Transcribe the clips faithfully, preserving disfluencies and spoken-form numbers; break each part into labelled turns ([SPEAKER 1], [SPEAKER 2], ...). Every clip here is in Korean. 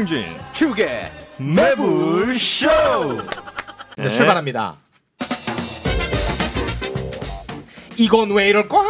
[SPEAKER 1] 김용진 축의 매불쇼.
[SPEAKER 2] 네, 출발합니다. 이건 왜 이럴까?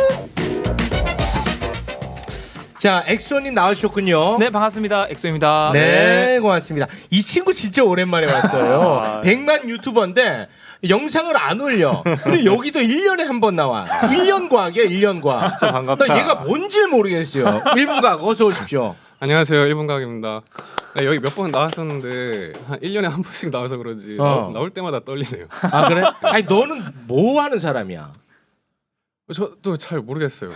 [SPEAKER 2] 자, 엑소님 나와주셨군요.
[SPEAKER 3] 네, 반갑습니다. 엑소입니다.
[SPEAKER 2] 네, 고맙습니다. 이 친구 진짜 오랜만에 왔어요.
[SPEAKER 1] 아.
[SPEAKER 2] 백만 유튜버인데 영상을 안 올려. 그리고 여기도 일 년에 한 번 나와. 일 년 과학이야, 일 년 과학.
[SPEAKER 1] 진짜 반갑다.
[SPEAKER 2] 나 얘가 뭔지 모르겠어요. 일 분 과학 어서 오십시오.
[SPEAKER 4] 안녕하세요. 일본 과학입니다. 네, 여기 몇 번 나왔었는데 한 일 년에 한 번씩 나와서 그런지
[SPEAKER 2] 어.
[SPEAKER 4] 나올, 나올 때마다 떨리네요.
[SPEAKER 2] 아, 그래? 아니, 너는 뭐 하는 사람이야?
[SPEAKER 4] 저도 잘 모르겠어요.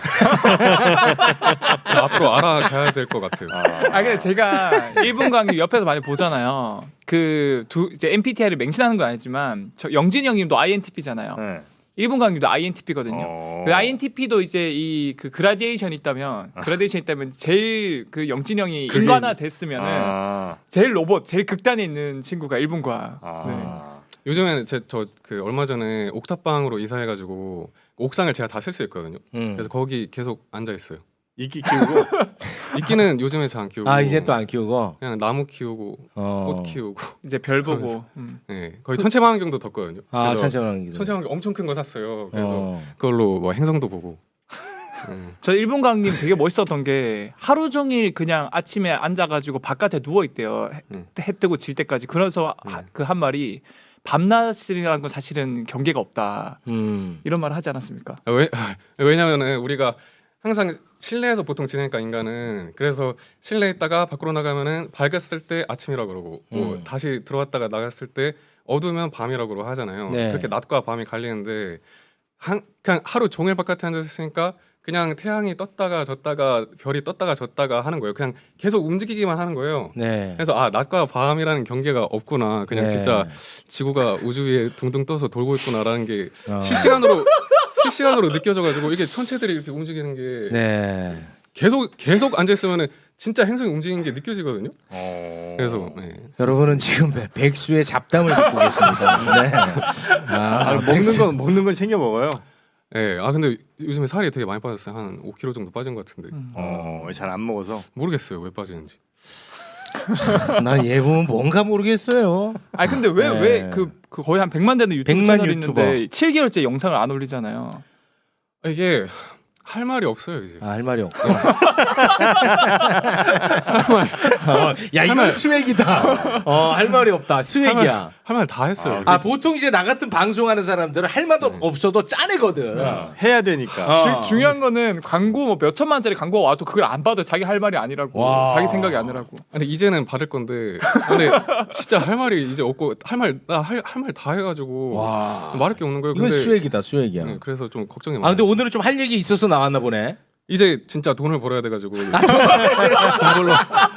[SPEAKER 4] 앞으로 알아가야 될 것 같아요.
[SPEAKER 3] 아, 근데 제가 일본 강의 옆에서 많이 보잖아요. 그 두 이제 엠비티아이를 맹신하는 건 아니지만 저 영진이 형님도 아이엔티피잖아요.
[SPEAKER 1] 네.
[SPEAKER 3] 일본 강의도 아이엔티피거든요.
[SPEAKER 1] 어.
[SPEAKER 3] 그 아이엔티피도 이제 이 그 그라데이션 있다면 그라데이션 있다면 제일 그 영진이 형이
[SPEAKER 1] 그게-
[SPEAKER 3] 인간화 됐으면은
[SPEAKER 1] 아.
[SPEAKER 3] 제일 로봇, 제일 극단에 있는 친구가 일본과.
[SPEAKER 1] 아.
[SPEAKER 3] 네.
[SPEAKER 4] 요즘에는 제 저 그 얼마 전에 옥탑방으로 이사해가지고 옥상을 제가 다 쓸 수 있거든요.
[SPEAKER 2] 음.
[SPEAKER 4] 그래서 거기 계속 앉아 있어요.
[SPEAKER 1] 이끼 키우고.
[SPEAKER 4] 이끼는 요즘에 잘 안 키우고.
[SPEAKER 2] 아, 이제 또 안 키우고.
[SPEAKER 4] 그냥 나무 키우고
[SPEAKER 2] 어.
[SPEAKER 4] 꽃 키우고.
[SPEAKER 3] 이제 별 보고.
[SPEAKER 4] 그러면서.
[SPEAKER 3] 음.
[SPEAKER 4] 네, 거의 천체망원경도 뒀거든요.
[SPEAKER 2] 아,
[SPEAKER 4] 그래서
[SPEAKER 2] 천천히
[SPEAKER 4] 천체망원경 엄청 큰 거 샀어요. 그래서
[SPEAKER 2] 어.
[SPEAKER 4] 그걸로 뭐 행성도 보고. 네.
[SPEAKER 3] 저 일본 강님 되게 멋있었던 게 하루 종일 그냥 아침에 앉아가지고 바깥에 누워 있대요. 해,
[SPEAKER 4] 음.
[SPEAKER 3] 해 뜨고 질 때까지. 그래서
[SPEAKER 4] 음.
[SPEAKER 3] 그 한 말이 밤낮이라는 건 사실은 경계가 없다.
[SPEAKER 2] 음.
[SPEAKER 3] 이런 말을 하지 않았습니까?
[SPEAKER 4] 아, 왜 왜냐면은 우리가 항상 실내에서 보통 지내니까 인간은 그래서 실내에 있다가 밖으로 나가면은 밝았을 때 아침이라고 그러고 뭐
[SPEAKER 2] 음.
[SPEAKER 4] 다시 들어왔다가 나갔을 때 어두우면 밤이라고 하잖아요.
[SPEAKER 2] 네.
[SPEAKER 4] 그렇게 낮과 밤이 갈리는데 한 그냥 하루 종일 바깥에 앉아 있으니까 그냥 태양이 떴다가 졌다가 별이 떴다가 졌다가 하는 거예요. 그냥 계속 움직이기만 하는 거예요.
[SPEAKER 2] 네.
[SPEAKER 4] 그래서 아 낮과 밤이라는 경계가 없구나. 그냥
[SPEAKER 2] 네.
[SPEAKER 4] 진짜 지구가 우주 위에 둥둥 떠서 돌고 있구나라는 게
[SPEAKER 2] 어.
[SPEAKER 4] 실시간으로 실시간으로 느껴져가지고 이게 천체들이 이렇게 움직이는 게
[SPEAKER 2] 네.
[SPEAKER 4] 계속 계속 앉아 있으면은 진짜 행성이 움직이는 게 느껴지거든요.
[SPEAKER 1] 어.
[SPEAKER 4] 그래서 네.
[SPEAKER 2] 여러분은 지금 백- 백수의 잡담을 듣고 계십니다. 네.
[SPEAKER 1] 아,
[SPEAKER 2] 아,
[SPEAKER 1] 먹는
[SPEAKER 2] 백수-
[SPEAKER 1] 건 먹는 건 챙겨 먹어요.
[SPEAKER 4] 네. 아 근데 요즘에 살이 되게 많이 빠졌어요. 한 오 킬로그램 정도 빠진 것 같은데
[SPEAKER 3] 음.
[SPEAKER 1] 어, 잘 안 먹어서.
[SPEAKER 4] 모르겠어요 왜 빠지는지.
[SPEAKER 2] 난얘 보면 뭔가 모르겠어요.
[SPEAKER 3] 아니 근데 왜
[SPEAKER 2] 네.
[SPEAKER 3] 왜 그 그 거의 한 백만 되는 유튜브
[SPEAKER 2] 백만
[SPEAKER 3] 채널이
[SPEAKER 2] 유튜버.
[SPEAKER 3] 있는데 칠 개월째 영상을 안 올리잖아요.
[SPEAKER 4] 아, 이게 할 말이 없어요 이제.
[SPEAKER 2] 아, 할 말이 없고. 어, 야, 이건 스웩이다. 어, 할 말이 없다. 스웩이야.
[SPEAKER 4] 할 말 다 했어요.
[SPEAKER 2] 아, 보통 이제 나 같은 방송하는 사람들은 할 말도
[SPEAKER 4] 네.
[SPEAKER 2] 없어도 짜내거든.
[SPEAKER 1] 해야 되니까.
[SPEAKER 2] 어.
[SPEAKER 3] 주, 중요한 거는 광고 뭐 몇 천만짜리 광고가 와도 그걸 안 봐도 자기 할 말이 아니라고.
[SPEAKER 2] 와.
[SPEAKER 3] 자기 생각이 아니라고.
[SPEAKER 4] 근데 이제는 받을 건데 근데 진짜 할 말이 이제 없고 할 말 나 할 할 말 다 해가지고
[SPEAKER 2] 와.
[SPEAKER 4] 말할 게 없는 거예요.
[SPEAKER 2] 이건
[SPEAKER 4] 근데
[SPEAKER 2] 스웩이다, 스웩이야.
[SPEAKER 4] 네, 그래서 좀 걱정이
[SPEAKER 2] 아,
[SPEAKER 4] 많아요.
[SPEAKER 2] 근데 오늘은 좀 할 얘기 있어서 나왔나 보네.
[SPEAKER 4] 이제 진짜 돈을 벌어야 돼가지고 돈 벌러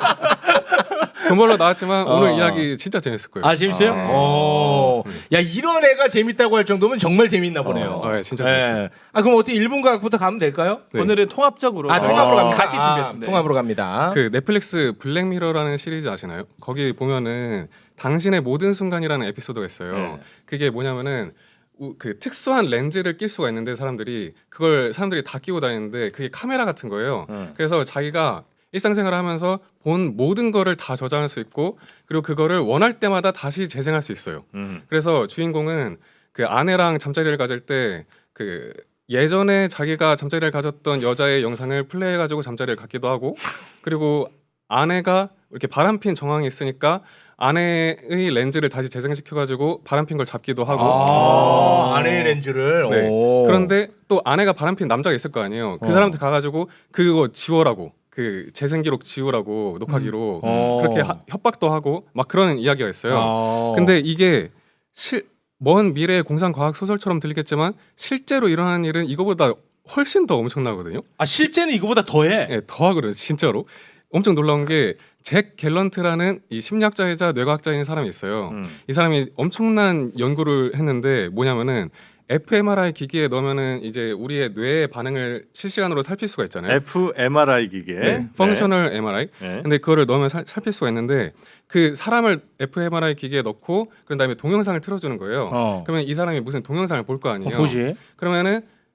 [SPEAKER 4] 돈 벌러 나왔지만
[SPEAKER 2] 어.
[SPEAKER 4] 오늘 이야기 진짜 재밌을 거예요.
[SPEAKER 2] 아, 재밌어요?
[SPEAKER 1] 아.
[SPEAKER 2] 어. 야, 이런 애가 재밌다고 할 정도면 정말 재밌나 보네요.
[SPEAKER 4] 어, 네, 진짜 재밌어요.
[SPEAKER 2] 아, 그럼 어떻게 일본 과학부터 가면 될까요?
[SPEAKER 4] 네.
[SPEAKER 3] 오늘은 통합적으로
[SPEAKER 2] 아,
[SPEAKER 3] 저희가
[SPEAKER 2] 통합으로
[SPEAKER 1] 어.
[SPEAKER 2] 갑니다.
[SPEAKER 3] 같이 준비했습니다.
[SPEAKER 2] 아, 통합으로 갑니다.
[SPEAKER 4] 그 넷플릭스 블랙미러라는 시리즈 아시나요? 거기 보면은 당신의 모든 순간이라는 에피소드가 있어요.
[SPEAKER 1] 네.
[SPEAKER 4] 그게 뭐냐면은 우- 그 특수한 렌즈를 낄 수가 있는데 사람들이 그걸 사람들이 다 끼고 다니는데 그게 카메라 같은 거예요.
[SPEAKER 1] 응.
[SPEAKER 4] 그래서 자기가 일상생활을 하면서 본 모든 거를 다 저장할 수 있고 그리고 그거를 원할 때마다 다시 재생할 수 있어요.
[SPEAKER 1] 음.
[SPEAKER 4] 그래서 주인공은 그 아내랑 잠자리를 가질 때 그 예전에 자기가 잠자리를 가졌던 여자의 영상을 플레이해가지고 잠자리를 갖기도 하고 그리고 아내가 이렇게 바람핀 정황이 있으니까 아내의 렌즈를 다시 재생시켜가지고 바람핀 걸 잡기도 하고
[SPEAKER 2] 아, 아내의 렌즈를.
[SPEAKER 4] 네.
[SPEAKER 2] 오.
[SPEAKER 4] 그런데 또 아내가 바람핀 남자가 있을 거 아니에요. 그
[SPEAKER 2] 어.
[SPEAKER 4] 사람한테 가가지고 그거 지워라고 그 재생 기록 지우라고 녹화기로
[SPEAKER 2] 어.
[SPEAKER 4] 그렇게 하- 협박도 하고 막 그런 이야기가 있어요.
[SPEAKER 2] 어.
[SPEAKER 4] 근데 이게 실, 먼 미래의 공상 과학 소설처럼 들리겠지만 실제로 일어나는 일은 이거보다 훨씬 더 엄청나거든요.
[SPEAKER 2] 아, 실제는 이거보다 더해.
[SPEAKER 4] 예, 더 하거든요, 진짜로. 엄청 놀라운 게 잭 갤런트라는 이 심리학자이자 뇌과학자인 사람이 있어요.
[SPEAKER 1] 음.
[SPEAKER 4] 이 사람이 엄청난 연구를 했는데 뭐냐면은 에프엠알아이 기기에 넣으면은 이제 우리의 뇌의 반응을 실시간으로 살필 수가 있잖아요.
[SPEAKER 1] 에프엠알아이 기계.
[SPEAKER 4] 네, 펑셔널 엠알아이.
[SPEAKER 1] 네.
[SPEAKER 4] 근데 그거를 넣으면 살, 살필 수가 있는데 그 사람을 에프엠알아이 기기에 넣고 그런 다음에 동영상을 틀어주는 거예요.
[SPEAKER 2] 어.
[SPEAKER 4] 그러면 이 사람이 무슨 동영상을 볼 거 아니에요.
[SPEAKER 2] 어, 보지.
[SPEAKER 4] 그러면은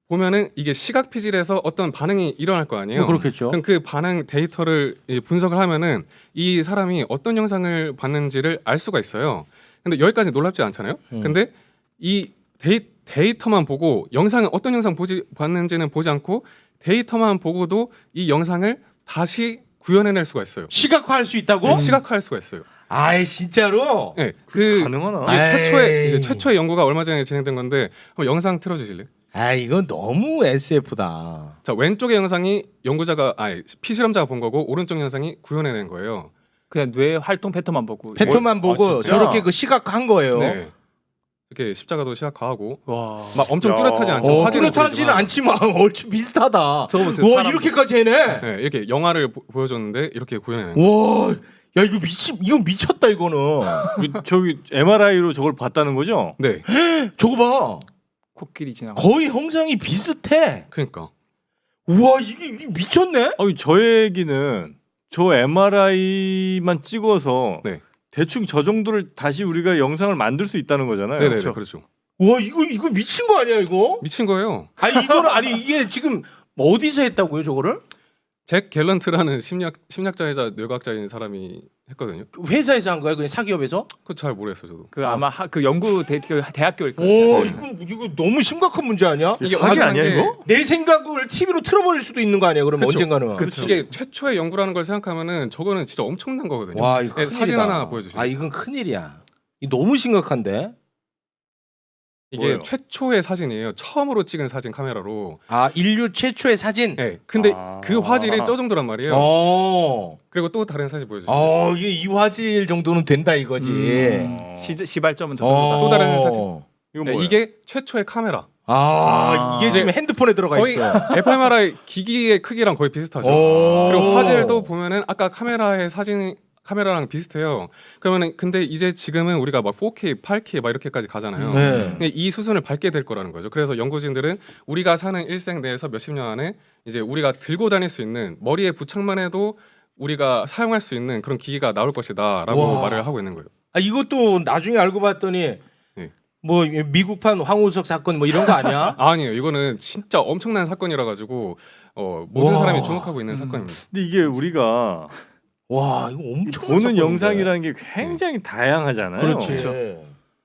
[SPEAKER 4] 보면은 이게 시각 피질에서 어떤 반응이 일어날 거 아니에요.
[SPEAKER 2] 뭐 그렇겠죠.
[SPEAKER 4] 그럼 그 반응 데이터를 이제 분석을 하면은 이 사람이 어떤 영상을 봤는지를 알 수가 있어요. 근데 여기까지 놀랍지 않잖아요.
[SPEAKER 2] 음.
[SPEAKER 4] 근데 이 데이, 데이터만 보고 영상은 어떤 영상 보지 봤는지는 보지 않고 데이터만 보고도 이 영상을 다시 구현해낼 수가 있어요.
[SPEAKER 2] 시각화할 수 있다고?
[SPEAKER 4] 네, 시각화할 수가 있어요.
[SPEAKER 2] 아이 진짜로?
[SPEAKER 4] 네, 그
[SPEAKER 1] 가능하나?
[SPEAKER 4] 이게
[SPEAKER 2] 에이.
[SPEAKER 4] 최초의 이제 최초의 연구가 얼마 전에 진행된 건데 한번 영상 틀어주실래요?
[SPEAKER 2] 아 이건 너무 에스에프다.
[SPEAKER 4] 자, 왼쪽의 영상이 연구자가 아니 피실험자가 본 거고 오른쪽 영상이 구현해낸 거예요.
[SPEAKER 3] 그냥 뇌 활동 패턴만 보고.
[SPEAKER 2] 패턴만 보고
[SPEAKER 1] 진짜?
[SPEAKER 2] 저렇게 그 시각화한 거예요.
[SPEAKER 4] 네. 이렇게 십자가도 시각화하고
[SPEAKER 3] 와.
[SPEAKER 4] 막 엄청
[SPEAKER 1] 야.
[SPEAKER 4] 뚜렷하지 않죠.
[SPEAKER 2] 어,
[SPEAKER 4] 화질은
[SPEAKER 2] 뚜렷하지는
[SPEAKER 4] 보이지만.
[SPEAKER 2] 않지만 얼추 비슷하다.
[SPEAKER 3] 저거 보세요.
[SPEAKER 2] 와
[SPEAKER 3] 사람.
[SPEAKER 2] 이렇게까지 해내.
[SPEAKER 4] 네, 이렇게 영화를 보, 보여줬는데 이렇게 구현해낸 거예요.
[SPEAKER 2] 와, 야 이거 미치, 이거 미쳤다 이거는.
[SPEAKER 1] 그, 저기 엠알아이로 저걸 봤다는 거죠?
[SPEAKER 4] 네,
[SPEAKER 2] 저거 봐,
[SPEAKER 3] 코끼리 지나가.
[SPEAKER 2] 거의 형상이 비슷해.
[SPEAKER 4] 그러니까
[SPEAKER 2] 우와 이게, 이게 미쳤네.
[SPEAKER 1] 아니 저 얘기는 저 엠알아이만 찍어서
[SPEAKER 4] 네.
[SPEAKER 1] 대충 저 정도를 다시 우리가 영상을 만들 수 있다는 거잖아요.
[SPEAKER 4] 네네
[SPEAKER 3] 그렇죠.
[SPEAKER 4] 그렇죠.
[SPEAKER 2] 와 이거 이거 미친 거 아니야 이거?
[SPEAKER 4] 미친 거예요.
[SPEAKER 2] 아니 이거는 아니 이게 지금 어디서 했다고요 저거를?
[SPEAKER 4] 잭 갤런트라는 심리학 심리학자이자 뇌과학자인 사람이 했거든요.
[SPEAKER 2] 회사에서 한 거야 그냥 사기업에서?
[SPEAKER 4] 그거 잘 모르겠어요 저도.
[SPEAKER 3] 그 아마 하, 그 연구 대, 그 대학교일 거예요.
[SPEAKER 2] 오 이거 이거 너무 심각한 문제 아니야?
[SPEAKER 1] 이게 사기
[SPEAKER 4] 확인한
[SPEAKER 1] 아니야
[SPEAKER 4] 게-
[SPEAKER 1] 이거?
[SPEAKER 2] 내 생각을 티비로 틀어버릴 수도 있는 거 아니야 그러면
[SPEAKER 4] 그쵸.
[SPEAKER 2] 언젠가는.
[SPEAKER 4] 그렇죠. 이게 최초의 연구라는 걸 생각하면은 저거는 진짜 엄청난 거거든요.
[SPEAKER 2] 와 이거
[SPEAKER 4] 네,
[SPEAKER 2] 큰일이다.
[SPEAKER 4] 사진 하나 보여주시죠.
[SPEAKER 2] 아 이건 큰일이야. 이 너무 심각한데.
[SPEAKER 4] 이게
[SPEAKER 1] 뭐예요?
[SPEAKER 4] 최초의 사진이에요. 처음으로 찍은 사진 카메라로.
[SPEAKER 2] 아 인류 최초의 사진.
[SPEAKER 4] 네. 근데
[SPEAKER 1] 아.
[SPEAKER 4] 그 화질이 저 정도란 말이에요.
[SPEAKER 2] 어.
[SPEAKER 4] 그리고 또 다른 사진 보여주세요.
[SPEAKER 2] 어 이게 이 화질 정도는 된다 이거지.
[SPEAKER 3] 음,
[SPEAKER 1] 어.
[SPEAKER 3] 시, 시발점은 저
[SPEAKER 2] 어.
[SPEAKER 3] 정도다.
[SPEAKER 4] 또 다른 사진.
[SPEAKER 1] 이건
[SPEAKER 4] 네,
[SPEAKER 1] 뭐예요?
[SPEAKER 4] 이게 최초의 카메라.
[SPEAKER 2] 아,
[SPEAKER 1] 아.
[SPEAKER 2] 이게 지금 핸드폰에 들어가
[SPEAKER 4] 거의
[SPEAKER 2] 있어.
[SPEAKER 4] 에프엠알아이 기기의 크기랑 거의 비슷하죠.
[SPEAKER 2] 오.
[SPEAKER 4] 그리고 화질도 보면은 아까 카메라의 사진 카메라랑 비슷해요. 그러면은 근데 이제 지금은 우리가 막 포케이, 팔케이 막 이렇게까지 가잖아요.
[SPEAKER 2] 네.
[SPEAKER 4] 근데 이 수준을 밟게 될 거라는 거죠. 그래서 연구진들은 우리가 사는 일생 내에서 몇십 년 안에 이제 우리가 들고 다닐 수 있는 머리에 부착만 해도 우리가 사용할 수 있는 그런 기기가 나올 것이다라고
[SPEAKER 2] 와.
[SPEAKER 4] 말을 하고 있는 거예요.
[SPEAKER 2] 아 이것도 나중에 알고 봤더니
[SPEAKER 4] 네.
[SPEAKER 2] 뭐 미국판 황우석 사건 뭐 이런 거 아니야?
[SPEAKER 4] 아니에요. 이거는 진짜 엄청난 사건이라 가지고 어, 모든
[SPEAKER 2] 와.
[SPEAKER 4] 사람이 주목하고 있는
[SPEAKER 3] 음.
[SPEAKER 4] 사건입니다.
[SPEAKER 1] 근데 이게 우리가
[SPEAKER 2] 와 이거 엄청
[SPEAKER 1] 보는 영상이라는 게 굉장히 다양하잖아요.
[SPEAKER 2] 그렇지.
[SPEAKER 3] 그렇죠.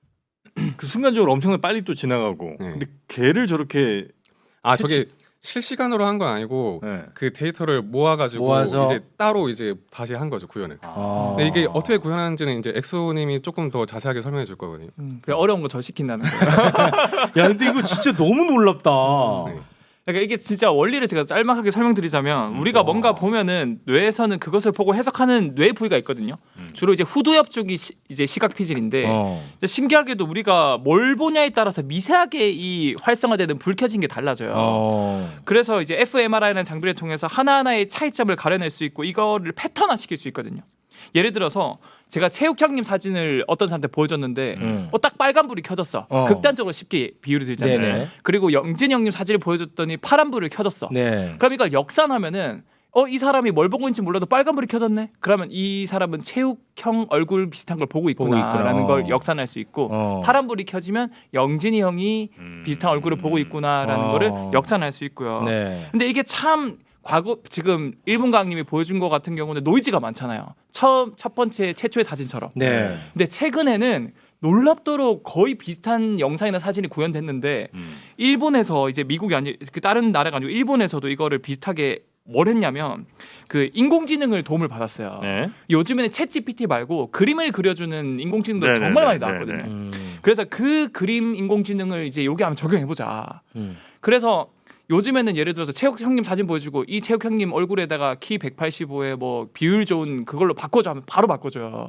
[SPEAKER 1] 그 순간적으로 엄청나게 빨리 또 지나가고.
[SPEAKER 4] 네.
[SPEAKER 1] 근데 걔를 저렇게
[SPEAKER 4] 아 저게 실시간으로 한 건 아니고
[SPEAKER 1] 네.
[SPEAKER 4] 그 데이터를 모아가지고
[SPEAKER 2] 모아서.
[SPEAKER 4] 이제 따로 이제 다시 한 거죠 구현을.
[SPEAKER 2] 아.
[SPEAKER 4] 근데 이게 어떻게 구현하는지는 이제 엑소님이 조금 더 자세하게 설명해 줄 거거든요.
[SPEAKER 3] 음, 그냥 어려운 거 저 시킨다는 거예요.
[SPEAKER 2] 야 근데 이거 진짜 너무 놀랍다.
[SPEAKER 4] 네.
[SPEAKER 3] 그러니까 이게 진짜 원리를 제가 짤막하게 설명드리자면 우리가
[SPEAKER 2] 와.
[SPEAKER 3] 뭔가 보면은 뇌에서는 그것을 보고 해석하는 뇌 부위가 있거든요.
[SPEAKER 1] 음.
[SPEAKER 3] 주로 이제 후두엽 쪽이 시, 이제 시각 피질인데
[SPEAKER 2] 어.
[SPEAKER 3] 근데 신기하게도 우리가 뭘 보냐에 따라서 미세하게 이 활성화되는 불 켜진 게 달라져요.
[SPEAKER 2] 어.
[SPEAKER 3] 그래서 이제 에프엠알아이라는 장비를 통해서 하나하나의 차이점을 가려낼 수 있고 이거를 패턴화 시킬 수 있거든요. 예를 들어서 제가 체육 형님 사진을 어떤 사람한테 보여줬는데
[SPEAKER 2] 음.
[SPEAKER 3] 어, 딱 빨간 불이 켜졌어.
[SPEAKER 2] 어.
[SPEAKER 3] 극단적으로 쉽게 비유를 들자면.
[SPEAKER 2] 네네.
[SPEAKER 3] 그리고 영진 형님 사진을 보여줬더니 파란 불을 켜졌어.
[SPEAKER 2] 네.
[SPEAKER 3] 그럼 이걸 역산하면은 어 이 사람이 뭘 보고 있는지 몰라도 빨간 불이 켜졌네. 그러면 이 사람은 체육형 얼굴 비슷한 걸 보고
[SPEAKER 2] 보고 있구나.
[SPEAKER 3] 있구나라는 걸 역산할 수 있고
[SPEAKER 2] 어.
[SPEAKER 3] 파란 불이 켜지면 영진이 형이
[SPEAKER 1] 음.
[SPEAKER 3] 비슷한 얼굴을 보고 있구나라는
[SPEAKER 2] 어.
[SPEAKER 3] 거를 역산할 수 있고요.
[SPEAKER 2] 네.
[SPEAKER 3] 근데 이게 참 과거 지금 일본 강님이 보여준 것 같은 경우는 노이즈가 많잖아요. 처음 첫 번째 최초의 사진처럼.
[SPEAKER 2] 네.
[SPEAKER 3] 근데 최근에는 놀랍도록 거의 비슷한 영상이나 사진이 구현됐는데
[SPEAKER 1] 음.
[SPEAKER 3] 일본에서 이제 미국이 아니 그 다른 나라가 아니고 일본에서도 이거를 비슷하게 뭘 했냐면 그 인공지능을 도움을 받았어요.
[SPEAKER 1] 네.
[SPEAKER 3] 요즘에는 챗 지피티 말고 그림을 그려주는 인공지능도
[SPEAKER 1] 네네네,
[SPEAKER 3] 정말 많이 나왔거든요.
[SPEAKER 1] 네네.
[SPEAKER 2] 음.
[SPEAKER 3] 그래서 그 그림 인공지능을 이제 여기 한번 적용해 보자.
[SPEAKER 2] 음.
[SPEAKER 3] 그래서 요즘에는 예를 들어서 체육 형님 사진 보여주고 이 체육 형님 얼굴에다가 키 백팔십오에 뭐 비율 좋은 그걸로 바꿔줘 하면 바로 바꿔줘요.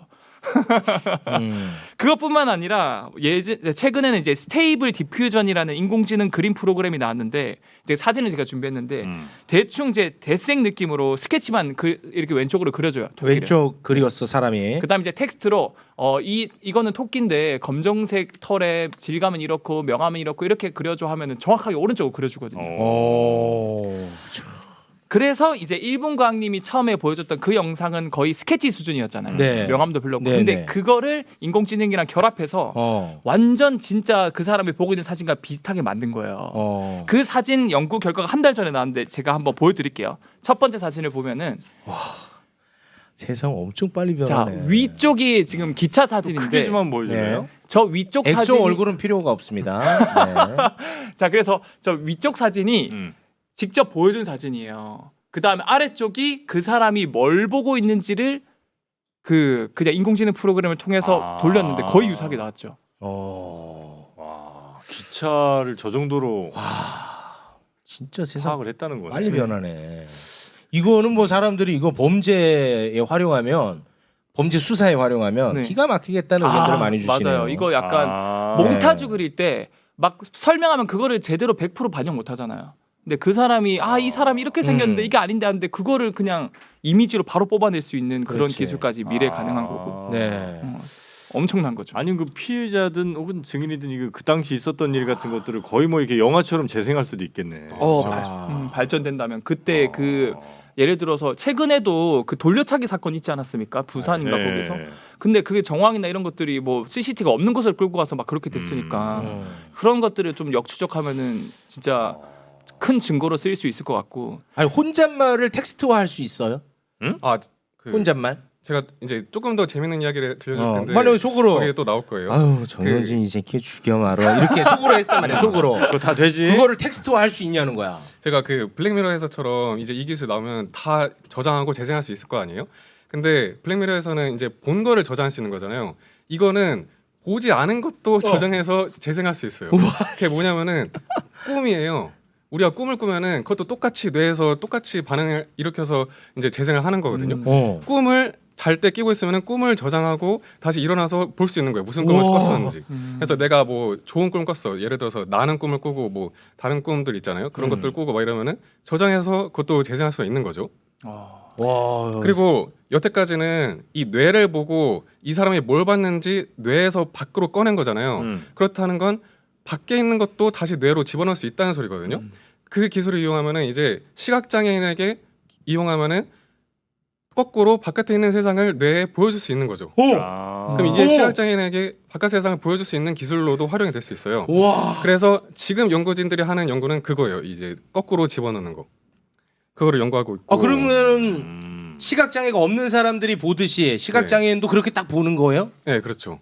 [SPEAKER 2] 음.
[SPEAKER 3] 그것뿐만 아니라 예전 최근에는 이제 스테이블 디퓨전이라는 인공지능 그림 프로그램이 나왔는데 이제 사진을 제가 준비했는데
[SPEAKER 1] 음.
[SPEAKER 3] 대충 이제 대생 느낌으로 스케치만 그 이렇게 왼쪽으로 그려줘요. 토끼를.
[SPEAKER 2] 왼쪽 그리웠어 사람이.
[SPEAKER 3] 그다음 이제 텍스트로 어 이 이거는 토끼인데 검정색 털의 질감은 이렇고 명암은 이렇고 이렇게 그려줘 하면은 정확하게 오른쪽으로 그려주거든요.
[SPEAKER 1] 어.
[SPEAKER 2] 오.
[SPEAKER 3] 그래서 이제 일본 과학님이 처음에 보여줬던 그 영상은 거의 스케치 수준이었잖아요.
[SPEAKER 5] 네.
[SPEAKER 3] 명암도 별로 없고.
[SPEAKER 5] 네,
[SPEAKER 3] 근데
[SPEAKER 5] 네.
[SPEAKER 3] 그거를 인공지능이랑 결합해서
[SPEAKER 5] 어.
[SPEAKER 3] 완전 진짜 그 사람이 보고 있는 사진과 비슷하게 만든 거예요.
[SPEAKER 5] 어.
[SPEAKER 3] 그 사진 연구 결과가 한 달 전에 나왔는데 제가 한번 보여드릴게요. 첫 번째 사진을 보면은
[SPEAKER 5] 세상 엄청 빨리
[SPEAKER 3] 자
[SPEAKER 5] 변하네.
[SPEAKER 3] 위쪽이 지금 기차
[SPEAKER 1] 크게
[SPEAKER 3] 사진인데
[SPEAKER 1] 좀 한번 보여주나요?
[SPEAKER 5] 네.
[SPEAKER 3] 저 위쪽
[SPEAKER 5] 엑소
[SPEAKER 3] 사진
[SPEAKER 5] 얼굴은 필요가 없습니다.
[SPEAKER 3] 자 그래서 저 위쪽 사진이
[SPEAKER 1] 음.
[SPEAKER 3] 직접 보여준 사진이에요. 그 다음에 아래쪽이 그 사람이 뭘 보고 있는지를 그 그냥 인공지능 프로그램을 통해서
[SPEAKER 1] 아.
[SPEAKER 3] 돌렸는데 거의 유사하게 나왔죠.
[SPEAKER 5] 네. 어.
[SPEAKER 1] 와, 기차를 저 정도로
[SPEAKER 5] 와. 진짜 세상
[SPEAKER 1] 파악을 했다는 거네.
[SPEAKER 5] 빨리 변하네. 이거는 뭐 사람들이 이거 범죄에 활용하면 범죄 수사에 활용하면
[SPEAKER 3] 네.
[SPEAKER 5] 기가 막히겠다는 의견들을
[SPEAKER 3] 아,
[SPEAKER 5] 많이 주시네요.
[SPEAKER 3] 맞아요. 이거 약간
[SPEAKER 1] 아.
[SPEAKER 3] 몽타주 그릴 때 막 설명하면 그거를 제대로 백 퍼센트 반영 못 하잖아요. 근데 그 사람이 아 이 사람이 이렇게 생겼는데
[SPEAKER 5] 음.
[SPEAKER 3] 이게 아닌데 하는데 그거를 그냥 이미지로 바로 뽑아낼 수 있는 그런
[SPEAKER 5] 그렇지.
[SPEAKER 3] 기술까지 미래에
[SPEAKER 1] 아.
[SPEAKER 3] 가능한 거고
[SPEAKER 5] 네.
[SPEAKER 3] 어, 엄청난 거죠.
[SPEAKER 1] 아니면 그 피해자든 혹은 증인이든 이거 그 당시 있었던 일 같은 것들을 거의 뭐 이렇게 영화처럼 재생할 수도 있겠네.
[SPEAKER 3] 어,
[SPEAKER 5] 그렇죠.
[SPEAKER 3] 발, 음, 발전된다면 그때
[SPEAKER 1] 아.
[SPEAKER 3] 그 예를 들어서 최근에도 그 돌려차기 사건 있지 않았습니까? 부산인가
[SPEAKER 1] 네.
[SPEAKER 3] 거기서. 근데 그게 정황이나 이런 것들이 뭐 씨씨티비가 없는 곳을 끌고 가서 막 그렇게 됐으니까
[SPEAKER 5] 음.
[SPEAKER 3] 그런 것들을 좀 역추적하면은 진짜 큰 증거로 쓰일 수 있을 것 같고.
[SPEAKER 5] 아니 혼잣말을 텍스트화 할 수 있어요?
[SPEAKER 4] 아, 그
[SPEAKER 5] 혼잣말?
[SPEAKER 4] 제가 이제 조금 더 재밌는 이야기를 들려줄
[SPEAKER 5] 어.
[SPEAKER 4] 텐데
[SPEAKER 5] 만약에 속으로
[SPEAKER 4] 거기에 또 나올 거예요.
[SPEAKER 5] 아유 정현진 이 새끼 죽여 말어 이렇게 속으로 했단 말이야 속으로.
[SPEAKER 1] 그거 다 되지?
[SPEAKER 5] 그거를 텍스트화 할 수 있냐는 거야.
[SPEAKER 4] 제가 그 블랙미러에서처럼 이제 이 기술 나오면 다 저장하고 재생할 수 있을 거 아니에요? 근데 블랙미러에서는 이제 본 거를 저장할 수 있는 거잖아요. 이거는 보지 않은 것도 저장해서 재생할 수 있어요. 그게 뭐냐면은 꿈이에요. 우리가 꿈을 꾸면은 그것도 똑같이 뇌에서 똑같이 반응을 일으켜서 이제 재생을 하는 거거든요.
[SPEAKER 3] 음.
[SPEAKER 5] 어.
[SPEAKER 4] 꿈을 잘 때 끼고 있으면은 꿈을 저장하고 다시 일어나서 볼 수 있는 거예요. 무슨 꿈을
[SPEAKER 5] 우와.
[SPEAKER 4] 꿨었는지.
[SPEAKER 3] 음.
[SPEAKER 4] 그래서 내가 뭐 좋은 꿈 꿨어. 예를 들어서 나는 꿈을 꾸고 뭐 다른 꿈들 있잖아요. 그런
[SPEAKER 5] 음.
[SPEAKER 4] 것들 꾸고 막 이러면은 저장해서 그것도 재생할 수가 있는 거죠.
[SPEAKER 3] 어.
[SPEAKER 5] 와.
[SPEAKER 4] 그리고 여태까지는 이 뇌를 보고 이 사람이 뭘 봤는지 뇌에서 밖으로 꺼낸 거잖아요.
[SPEAKER 1] 음.
[SPEAKER 4] 그렇다는 건 밖에 있는 것도 다시 뇌로 집어넣을 수 있다는 소리거든요.
[SPEAKER 3] 음.
[SPEAKER 4] 그 기술을 이용하면은 이제 시각 장애인에게 이용하면은 거꾸로 바깥에 있는 세상을 뇌에 보여줄 수 있는 거죠.
[SPEAKER 5] 오.
[SPEAKER 1] 아.
[SPEAKER 4] 그럼 이게
[SPEAKER 5] 오.
[SPEAKER 4] 시각 장애인에게 바깥 세상을 보여줄 수 있는 기술로도 활용이 될 수 있어요.
[SPEAKER 5] 와.
[SPEAKER 4] 그래서 지금 연구진들이 하는 연구는 그거예요. 이제 거꾸로 집어넣는 거. 그거를 연구하고 있고.
[SPEAKER 5] 아 그러면은
[SPEAKER 1] 음.
[SPEAKER 5] 시각 장애가 없는 사람들이 보듯이 시각 장애인도 그렇게 딱 보는 거예요?
[SPEAKER 4] 네, 그렇죠.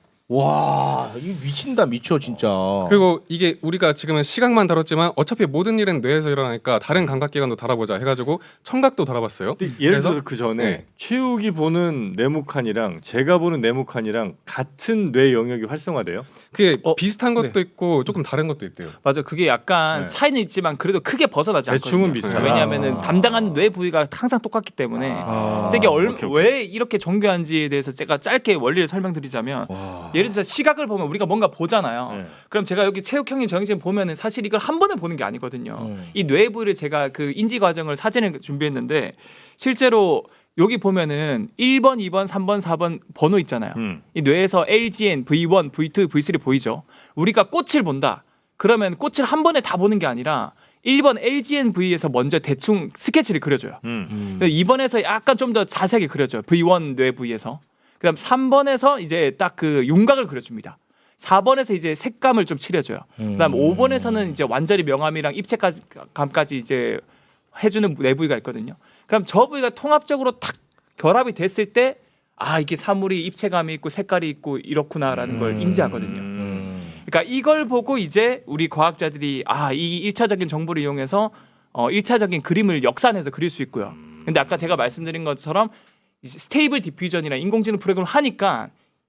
[SPEAKER 5] 와, 이거 미친다 미쳐 진짜.
[SPEAKER 4] 그리고 이게 우리가 지금은 시각만 다뤘지만 어차피 모든 일은 뇌에서 일어나니까 다른 감각기관도 다뤄보자 해가지고 청각도 다뤄봤어요.
[SPEAKER 1] 근데 예를
[SPEAKER 4] 그래서-
[SPEAKER 1] 들어서 그 전에
[SPEAKER 4] 네.
[SPEAKER 1] 최욱이 보는 네모칸이랑 제가 보는 네모칸이랑 같은 뇌 영역이 활성화돼요?
[SPEAKER 4] 그게
[SPEAKER 3] 어,
[SPEAKER 4] 비슷한 것도
[SPEAKER 3] 네.
[SPEAKER 4] 있고 조금 다른 것도 있대요.
[SPEAKER 3] 맞아. 그게 약간
[SPEAKER 1] 네.
[SPEAKER 3] 차이는 있지만 그래도 크게 벗어나지
[SPEAKER 1] 대충은
[SPEAKER 3] 않거든요.
[SPEAKER 1] 비슷하다.
[SPEAKER 3] 왜냐하면은
[SPEAKER 5] 아.
[SPEAKER 3] 담당하는 뇌 부위가 항상 똑같기 때문에
[SPEAKER 5] 아.
[SPEAKER 3] 세게 얼,
[SPEAKER 1] 오케이, 오케이.
[SPEAKER 3] 왜 이렇게 정교한지에 대해서 제가 짧게 원리를 설명드리자면
[SPEAKER 5] 와.
[SPEAKER 3] 예를 들어서 시각을 보면 우리가 뭔가 보잖아요.
[SPEAKER 1] 네.
[SPEAKER 3] 그럼 제가 여기 체육 형님 정해진 보면은 사실 이걸 한 번에 보는 게 아니거든요.
[SPEAKER 5] 음.
[SPEAKER 3] 이 뇌 부위를 제가 그 인지 과정을 사진을 준비했는데 실제로 여기 보면은 일 번, 이 번, 삼 번, 사 번 번호 있잖아요.
[SPEAKER 1] 음.
[SPEAKER 3] 이 뇌에서 엘지엔, 브이원, 브이투, 브이쓰리 보이죠. 우리가 꽃을 본다. 그러면 꽃을 한 번에 다 보는 게 아니라 일 번 엘지엔 브이에서 먼저 대충 스케치를 그려줘요.
[SPEAKER 1] 음.
[SPEAKER 5] 음.
[SPEAKER 3] 이 번에서 약간 좀 더 자세하게 그려줘요. 브이원 뇌 부위에서. 그다음 삼 번에서 이제 딱 그 윤곽을 그려줍니다. 사 번에서 이제 색감을 좀 칠해줘요. 그다음
[SPEAKER 5] 음.
[SPEAKER 3] 오 번에서는 이제 완전히 명암이랑 입체감까지 이제 해주는 뇌 부위가 있거든요. 그럼 저 부위가 통합적으로 탁 결합이 됐을 때 아 이게 사물이 입체감이 있고 색깔이 있고 이렇구나라는 걸
[SPEAKER 5] 음.
[SPEAKER 3] 인지하거든요.
[SPEAKER 5] 음.
[SPEAKER 3] 그러니까 이걸 보고 이제 우리 과학자들이 아 이 일차적인 정보를 이용해서 어 일차적인 그림을 역산해서 그릴 수 있고요. 근데 아까 제가 말씀드린 것처럼 이제 스테이블 디퓨전이나 인공지능 프로그램을 하니까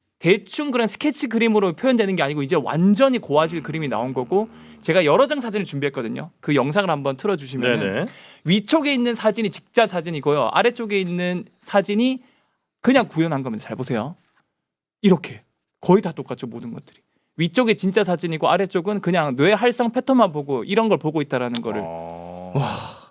[SPEAKER 3] 대충 그런 스케치 그림으로 표현되는 게 아니고 이제 완전히 고화질 그림이 나온 거고 제가 여러 장 사진을 준비했거든요. 그 영상을 한번 틀어주시면
[SPEAKER 1] 네네.
[SPEAKER 3] 위쪽에 있는 사진이 직자 사진이고요. 아래쪽에 있는 사진이 그냥 구현한 겁니다. 잘 보세요. 이렇게 거의 다 똑같죠. 모든 것들이. 위쪽에 진짜 사진이고 아래쪽은 그냥 뇌 활성 패턴만 보고 이런 걸 보고 있다라는 거를
[SPEAKER 1] 어...
[SPEAKER 5] 와.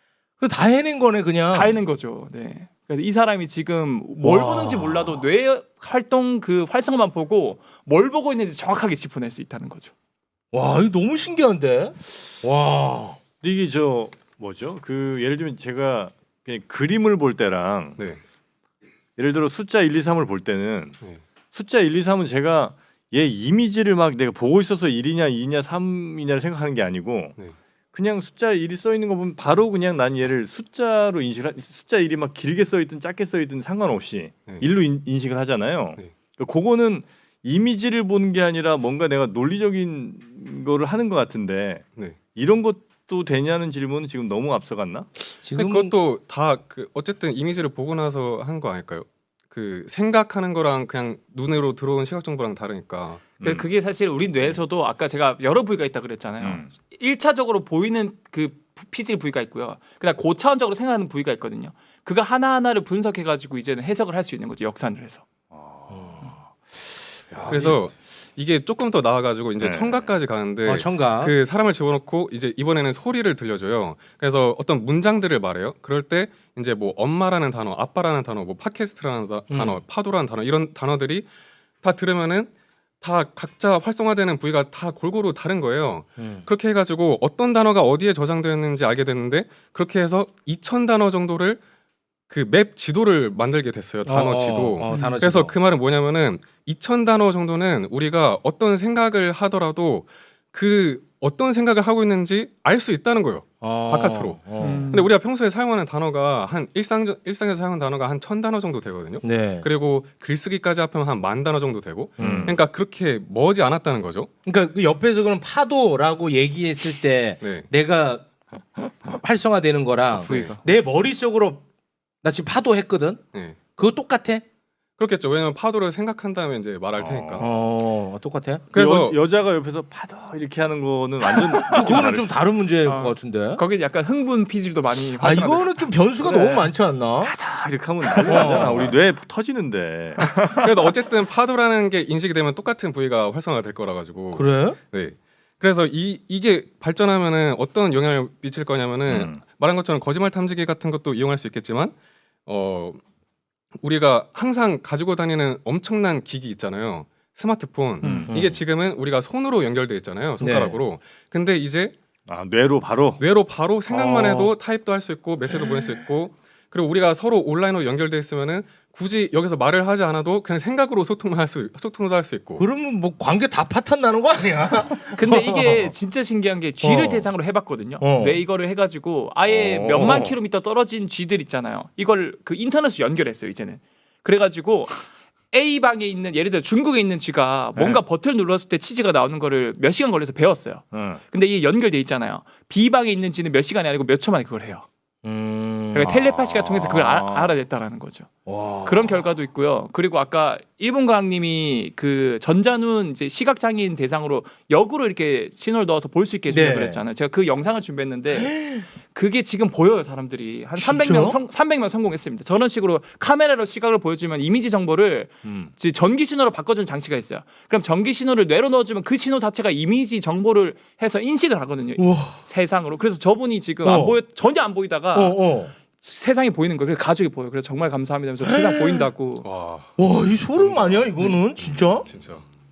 [SPEAKER 5] 그 다 해낸 거네 그냥.
[SPEAKER 3] 다 해낸 거죠. 네. 그래서 이 사람이 지금 뭘
[SPEAKER 5] 와.
[SPEAKER 3] 보는지 몰라도 뇌 활동 그 활성만 보고 뭘 보고 있는지 정확하게 짚어낼 수 있다는 거죠.
[SPEAKER 5] 와, 이거 너무 신기한데. 와.
[SPEAKER 1] 근데 이게 저 뭐죠? 그 예를 들면 제가 그냥 그림을 볼 때랑
[SPEAKER 4] 네.
[SPEAKER 1] 예를 들어 숫자 일, 이, 삼을 볼 때는
[SPEAKER 4] 네.
[SPEAKER 1] 숫자 일, 이, 삼은 제가 얘 이미지를 막 내가 보고 있어서 일이냐 이냐 삼이냐를 생각하는 게 아니고
[SPEAKER 4] 네.
[SPEAKER 1] 그냥 숫자 일이 써 있는 거 보면 바로 그냥 난 얘를 숫자로 인식을 하, 숫자 일이 막 길게 써 있든 짧게 써 있든 상관없이
[SPEAKER 4] 네.
[SPEAKER 1] 일로 인, 인식을 하잖아요.
[SPEAKER 4] 네.
[SPEAKER 1] 그러니까 그거는 이미지를 보는 게 아니라 뭔가 내가 논리적인 거를 하는 것 같은데
[SPEAKER 4] 네.
[SPEAKER 1] 이런 것도 되냐는 질문은 지금 너무 앞서갔나?
[SPEAKER 4] 근데
[SPEAKER 5] 지금
[SPEAKER 4] 그것도 다 그 어쨌든 이미지를 보고 나서 한 거 아닐까요? 그 생각하는 거랑 그냥 눈으로 들어온 시각 정보랑 다르니까.
[SPEAKER 1] 음.
[SPEAKER 3] 그게 사실 우리 뇌에서도 아까 제가 여러 부위가 있다 그랬잖아요.
[SPEAKER 1] 음.
[SPEAKER 3] 일차적으로 보이는 그 피질 부위가 있고요. 그다음 고차원적으로 생각하는 부위가 있거든요. 그거 하나하나를 분석해 가지고 이제는 해석을 할 수 있는 거죠. 역산을 해서.
[SPEAKER 1] 야,
[SPEAKER 4] 그래서 이게 조금 더 나아가지고 이제
[SPEAKER 1] 네.
[SPEAKER 4] 청각까지 가는데
[SPEAKER 5] 어, 청각.
[SPEAKER 4] 그 사람을 집어넣고 이제 이번에는 소리를 들려줘요. 그래서 어떤 문장들을 말해요. 그럴 때 이제 뭐 엄마라는 단어, 아빠라는 단어, 뭐 팟캐스트라는 다-
[SPEAKER 5] 음.
[SPEAKER 4] 단어, 파도라는 단어 이런 단어들이 다 들으면은 다 각자 활성화되는 부위가 다 골고루 다른 거예요.
[SPEAKER 5] 음.
[SPEAKER 4] 그렇게 해가지고 어떤 단어가 어디에 저장되었는지 알게 됐는데 그렇게 해서 이천 단어 정도를 그 맵 지도를 만들게 됐어요. 단어
[SPEAKER 5] 어,
[SPEAKER 4] 지도.
[SPEAKER 5] 어, 어, 단어
[SPEAKER 4] 그래서
[SPEAKER 5] 지도.
[SPEAKER 4] 그 말은 뭐냐면은 이천 단어 정도는 우리가 어떤 생각을 하더라도 그 어떤 생각을 하고 있는지 알 수 있다는 거예요.
[SPEAKER 5] 어,
[SPEAKER 4] 바깥으로.
[SPEAKER 5] 어.
[SPEAKER 3] 음.
[SPEAKER 4] 근데 우리가 평소에 사용하는 단어가 한 일상 일상에서 사용하는 단어가 한 천 단어 정도 되거든요.
[SPEAKER 5] 네.
[SPEAKER 4] 그리고 글쓰기까지 합하면 한 만 단어 정도 되고.
[SPEAKER 1] 음.
[SPEAKER 4] 그러니까 그렇게 머지 않았다는 거죠.
[SPEAKER 5] 그러니까 그 옆에서 그럼 파도라고 얘기했을 때
[SPEAKER 4] 네.
[SPEAKER 5] 내가 활성화되는 거랑
[SPEAKER 3] 부위가.
[SPEAKER 5] 내 머릿속으로 나 지금 파도 했거든.
[SPEAKER 4] 네.
[SPEAKER 5] 그거 똑같아?
[SPEAKER 4] 그렇겠죠. 왜냐면 파도를 생각한 다음에 이제 말할 테니까.
[SPEAKER 5] 어, 똑같아?
[SPEAKER 4] 그래서
[SPEAKER 1] 여, 여자가 옆에서 파도 이렇게 하는 거는 완전
[SPEAKER 5] 그거는 좀 다른 문제일
[SPEAKER 3] 아,
[SPEAKER 5] 것 같은데.
[SPEAKER 3] 거기 약간 흥분 피질도 많이
[SPEAKER 5] 아
[SPEAKER 3] 활성화돼요.
[SPEAKER 5] 이거는 좀 변수가
[SPEAKER 1] 그래.
[SPEAKER 5] 너무 많지 않나?
[SPEAKER 1] 파도 이렇게 하면 난리 나잖아.
[SPEAKER 5] 어.
[SPEAKER 1] 우리 뇌 터지는데.
[SPEAKER 4] 그래도 어쨌든 파도라는 게 인식이 되면 똑같은 부위가 활성화가 될 거라 가지고.
[SPEAKER 5] 그래?
[SPEAKER 4] 네. 그래서 이 이게 발전하면은 어떤 영향을 미칠 거냐면은
[SPEAKER 1] 음.
[SPEAKER 4] 말한 것처럼 거짓말 탐지기 같은 것도 이용할 수 있겠지만 어 우리가 항상 가지고 다니는 엄청난 기기 있잖아요. 스마트폰.
[SPEAKER 3] 음.
[SPEAKER 4] 이게 지금은 우리가 손으로 연결돼 있잖아요. 손가락으로. 근데 이제
[SPEAKER 1] 아 뇌로 바로.
[SPEAKER 4] 뇌로 바로 생각만
[SPEAKER 5] 어.
[SPEAKER 4] 해도 타입도 할 수 있고 메시지도 보낼 수 있고 그리고 우리가 서로 온라인으로 연결돼 있으면은 굳이 여기서 말을 하지 않아도 그냥 생각으로 소통만 할 수 소통도 할 수 있고.
[SPEAKER 5] 그러면 뭐 관계 다 파탄 나는 거 아니야?
[SPEAKER 3] 근데 이게 진짜 신기한 게 쥐를
[SPEAKER 5] 어.
[SPEAKER 3] 대상으로 해봤거든요.
[SPEAKER 5] 어.
[SPEAKER 3] 뇌 이거를 해가지고 아예
[SPEAKER 1] 어.
[SPEAKER 3] 몇만 킬로미터 떨어진 쥐들 있잖아요. 이걸 그 인터넷으로 연결했어요 이제는. 그래가지고 A 방에 있는 예를 들어 중국에 있는 쥐가 뭔가
[SPEAKER 1] 네.
[SPEAKER 3] 버튼을 눌렀을 때 치즈가 나오는 거를 몇 시간 걸려서 배웠어요.
[SPEAKER 1] 응.
[SPEAKER 3] 근데 이게 연결돼 있잖아요. B 방에 있는 쥐는 몇 시간이 아니고 몇 초 만에 그걸 해요.
[SPEAKER 5] 음.
[SPEAKER 3] 그러니까 텔레파시가
[SPEAKER 1] 아.
[SPEAKER 3] 통해서 그걸 아, 알아냈다라는 거죠.
[SPEAKER 5] 와.
[SPEAKER 3] 그런 결과도 있고요. 그리고 아까 일본 과학님이 그 전자눈 이제 시각 장애인 대상으로 역으로 이렇게 신호를 넣어서 볼 수 있게 해주려고
[SPEAKER 5] 네.
[SPEAKER 3] 그랬잖아요. 제가 그 영상을 준비했는데 그게 지금 보여요. 사람들이 한
[SPEAKER 5] 진짜?
[SPEAKER 3] 삼백 명 성, 삼백 명 성공했습니다. 저런 식으로 카메라로 시각을 보여주면 이미지 정보를
[SPEAKER 1] 음.
[SPEAKER 3] 이제 전기 신호로 바꿔주는 장치가 있어요. 그럼 전기 신호를 뇌로 넣어주면 그 신호 자체가 이미지 정보를 해서 인식을 하거든요.
[SPEAKER 5] 우와.
[SPEAKER 3] 세상으로. 그래서 저분이 지금
[SPEAKER 5] 어.
[SPEAKER 3] 안 보여 전혀 안 보이다가
[SPEAKER 5] 어, 어.
[SPEAKER 3] 세상이 보이는 거예요. 그래서 가족이 보여요. 그래서 정말 감사합니다. 그래서 세상 보인다고.
[SPEAKER 4] 와
[SPEAKER 5] 와, 이 소름 아니야 이거는 진짜?
[SPEAKER 4] 진짜.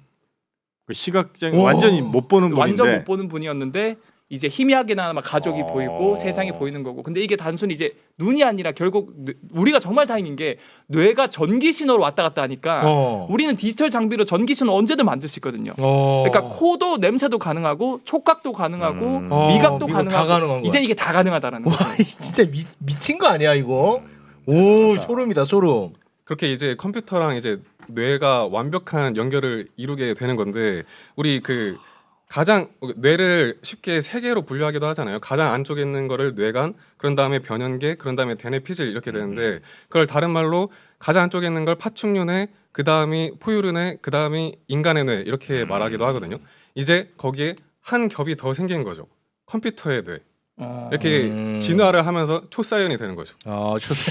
[SPEAKER 1] 그 시각장애
[SPEAKER 5] 와.
[SPEAKER 1] 완전히 못 보는 분인데.
[SPEAKER 3] 완전 못 보는 분이었는데 이제 희미하게나마 가족이
[SPEAKER 1] 어.
[SPEAKER 3] 보이고 세상이 보이는 거고. 근데 이게 단순히 이제 눈이 아니라 결국 뇌- 우리가 정말 다행인 게 뇌가 전기 신호로 왔다 갔다 하니까
[SPEAKER 5] 어.
[SPEAKER 3] 우리는 디지털 장비로 전기 신호 언제든 만들 수 있거든요.
[SPEAKER 5] 어.
[SPEAKER 3] 그러니까 코도 냄새도 가능하고 촉각도 가능하고
[SPEAKER 1] 음.
[SPEAKER 5] 어,
[SPEAKER 3] 미각도
[SPEAKER 5] 미각 다
[SPEAKER 3] 가능하고
[SPEAKER 5] 가능한 거야.
[SPEAKER 3] 이제 이게 다 가능하다라는
[SPEAKER 5] 와,
[SPEAKER 3] 거죠.
[SPEAKER 5] 이 진짜 미, 미친 거 아니야 이거? 오, 소름이다 소름.
[SPEAKER 4] 그렇게 이제 컴퓨터랑 이제 뇌가 완벽한 연결을 이루게 되는 건데 우리 그 가장 뇌를 쉽게 세 개로 분류하기도 하잖아요. 가장 안쪽에 있는 거를 뇌간, 그런 다음에 변연계, 그런 다음에 대뇌 피질 이렇게 되는데 그걸 다른 말로 가장 안쪽에 있는 걸 파충류뇌, 그 다음이 포유류뇌, 그 다음이 인간의 뇌 이렇게 말하기도 하거든요. 이제 거기에 한 겹이 더 생긴 거죠. 컴퓨터의 뇌.
[SPEAKER 3] 어.
[SPEAKER 4] 이렇게
[SPEAKER 5] 음.
[SPEAKER 4] 진화를 하면서 초사연이 되는 거죠.
[SPEAKER 5] 어, 좋세.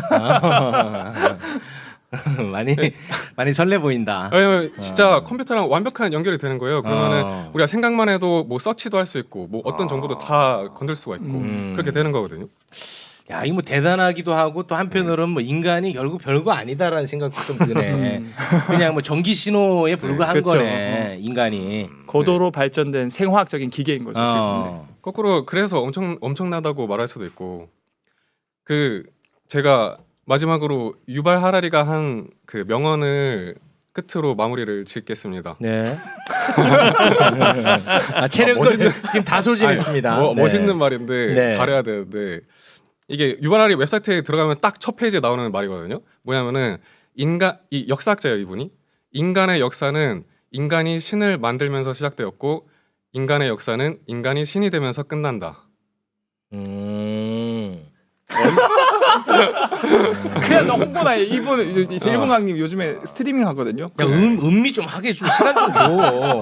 [SPEAKER 5] 많이 많이 설레 보인다.
[SPEAKER 4] 왜냐면 진짜
[SPEAKER 5] 어.
[SPEAKER 4] 컴퓨터랑 완벽한 연결이 되는 거예요. 그러면은
[SPEAKER 5] 어.
[SPEAKER 4] 우리가 생각만 해도 뭐 서치도 할 수 있고 뭐 어떤
[SPEAKER 1] 아.
[SPEAKER 4] 정보도 다 건들 수가 있고
[SPEAKER 5] 음.
[SPEAKER 4] 그렇게 되는 거거든요.
[SPEAKER 5] 야, 이거 뭐 대단하기도 하고 또 한편으로는 뭐 인간이 결국 별거 아니다라는 생각도 좀 드네.
[SPEAKER 3] 음.
[SPEAKER 5] 그냥 뭐 전기 신호에 불과한
[SPEAKER 3] 그렇죠.
[SPEAKER 5] 음. 거네 인간이.
[SPEAKER 3] 고도로 발전된 생화학적인 기계인 거죠. 어떻게 보면.
[SPEAKER 5] 어.
[SPEAKER 4] 거꾸로 그래서 엄청 엄청나다고 말할 수도 있고 그 제가 마지막으로 유발 하라리가 한 그 명언을 끝으로 마무리를 짓겠습니다.
[SPEAKER 5] 네. 아, 체력을
[SPEAKER 4] 아, 멋있는-
[SPEAKER 5] 지금 다 소진했습니다.
[SPEAKER 4] 뭐,
[SPEAKER 5] 네.
[SPEAKER 4] 멋있는 말인데
[SPEAKER 5] 네.
[SPEAKER 4] 잘해야 되는데 이게 유발하리 웹사이트에 들어가면 딱 첫 페이지에 나오는 말이거든요. 뭐냐면은 인간 이 역사학자예요 이분이. 인간의 역사는 인간이 신을 만들면서 시작되었고 인간의 역사는 인간이 신이 되면서 끝난다.
[SPEAKER 5] 음.
[SPEAKER 3] 그냥 너 홍보나 해. 이분 이제
[SPEAKER 5] 어.
[SPEAKER 3] 일본 강님 요즘에 스트리밍 하거든요.
[SPEAKER 5] 야, 음, 음미 좀 하게 좀 시간 좀 줘.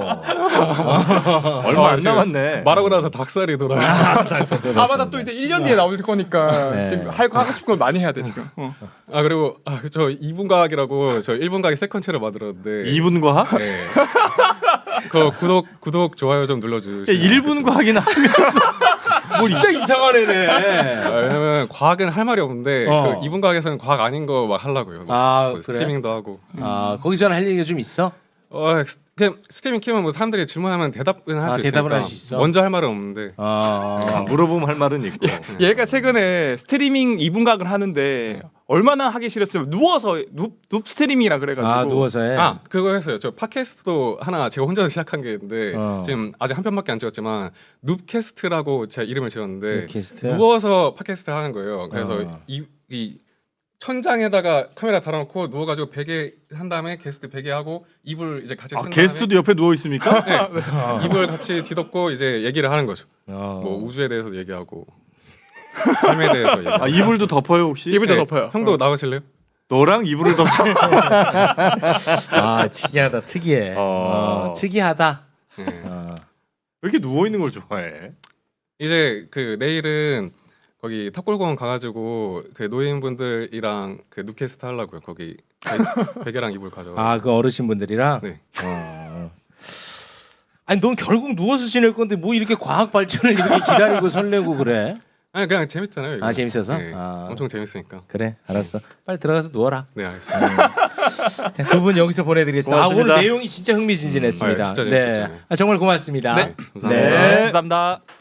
[SPEAKER 1] 얼마
[SPEAKER 4] 아,
[SPEAKER 1] 안
[SPEAKER 4] 지금
[SPEAKER 1] 남았네.
[SPEAKER 4] 말하고 나서 닭살이 돌아요.
[SPEAKER 3] 아 맞아 또 이제 일 년 뒤에 나올 거니까
[SPEAKER 5] 네.
[SPEAKER 3] 지금 할 거 하고 싶은 걸 많이 해야 돼 지금. 어.
[SPEAKER 4] 아 그리고 아, 저 이 분 과학이라고 저 일 분 과학 세컨체를 만들었는데
[SPEAKER 1] 이 분 과학?
[SPEAKER 4] 네. 그 구독 구독 좋아요 좀 눌러주시면
[SPEAKER 1] 일 분 과학이나 하면서
[SPEAKER 5] 진짜 이상한 애네.
[SPEAKER 4] 아, 왜냐면 과학은 할 말이 없는데
[SPEAKER 5] 어.
[SPEAKER 4] 그 이분 과학에서는 과학 아닌 거 막 하려고요. 뭐
[SPEAKER 5] 아,
[SPEAKER 4] 뭐
[SPEAKER 5] 그래?
[SPEAKER 4] 스트리밍도 하고.
[SPEAKER 5] 아, 거기서는 할 얘기가 좀 있어?
[SPEAKER 4] 어, 스- 그냥 스트리밍 키면 뭐 사람들이 질문하면 대답은 할 수
[SPEAKER 5] 아,
[SPEAKER 4] 있으니까.
[SPEAKER 5] 대답을 할수 있어?
[SPEAKER 4] 먼저 할 말은 없는데.
[SPEAKER 5] 아,
[SPEAKER 1] 아, 물어보면 할 말은 있고.
[SPEAKER 3] 얘가 최근에 스트리밍 이 분각을 하는데 얼마나 하기 싫었으면 누워서 눕, 눕 스트리밍이라 그래가지고.
[SPEAKER 5] 아, 누워서 해.
[SPEAKER 4] 아 그거 했어요. 저 팟캐스트도 하나 제가 혼자 시작한 게 있는데
[SPEAKER 5] 어.
[SPEAKER 4] 지금 아직 한 편밖에 안 찍었지만 눕캐스트라고 제가 이름을 지었는데
[SPEAKER 5] 팟캐스트.
[SPEAKER 4] 누워서 팟캐스트를 하는 거예요. 그래서
[SPEAKER 5] 어.
[SPEAKER 4] 이, 이 천장에다가 카메라 달아놓고 누워가지고 베개 한 다음에 게스트 베개 하고 이불 이제 같이
[SPEAKER 1] 아,
[SPEAKER 4] 쓴
[SPEAKER 1] 게스트도 옆에 누워 있습니까?
[SPEAKER 4] 다음에 네,
[SPEAKER 5] 어.
[SPEAKER 4] 이불 같이 뒤덮고 이제 얘기를 하는 거죠.
[SPEAKER 5] 어.
[SPEAKER 4] 뭐 우주에 대해서 얘기하고 삶에 대해서 얘기하고.
[SPEAKER 1] 아, 이불도 덮어요 혹시?
[SPEAKER 3] 이불도
[SPEAKER 4] 네,
[SPEAKER 3] 덮어요.
[SPEAKER 4] 형도
[SPEAKER 3] 어.
[SPEAKER 4] 나오실래요?
[SPEAKER 1] 너랑 이불을 덮어.
[SPEAKER 5] 아, 특이하다. 특이해.
[SPEAKER 1] 어.
[SPEAKER 5] 어, 특이하다.
[SPEAKER 4] 네.
[SPEAKER 5] 어.
[SPEAKER 1] 왜 이렇게 누워 있는 걸 좋아해?
[SPEAKER 4] 이제 그 내일은 거기 탑골공원 가가지고 그 노인분들이랑 그 누캐스트 하려고요. 거기 베- 베개랑 이불 가져.
[SPEAKER 5] 아, 그 어르신분들이랑.
[SPEAKER 4] 네.
[SPEAKER 5] 어. 아니, 넌 결국 누워서 지낼 건데 뭐 이렇게 과학 발전을 이렇게 기다리고 설레고 그래?
[SPEAKER 4] 아니 그냥 재밌잖아요. 이거.
[SPEAKER 5] 아, 재밌어서?
[SPEAKER 4] 네,
[SPEAKER 5] 아.
[SPEAKER 4] 엄청 재밌으니까.
[SPEAKER 5] 그래, 알았어. 빨리 들어가서 누워라.
[SPEAKER 4] 네 알겠습니다.
[SPEAKER 5] 두 분 여기서 보내드리겠습니다. 아,
[SPEAKER 1] 고맙습니다.
[SPEAKER 5] 오늘 내용이 진짜 흥미진진했습니다.
[SPEAKER 4] 음, 아, 진짜
[SPEAKER 5] 네,
[SPEAKER 4] 재밌었죠.
[SPEAKER 5] 아, 정말 고맙습니다.
[SPEAKER 3] 네.
[SPEAKER 4] 감사합니다.
[SPEAKER 1] 네.
[SPEAKER 3] 감사합니다.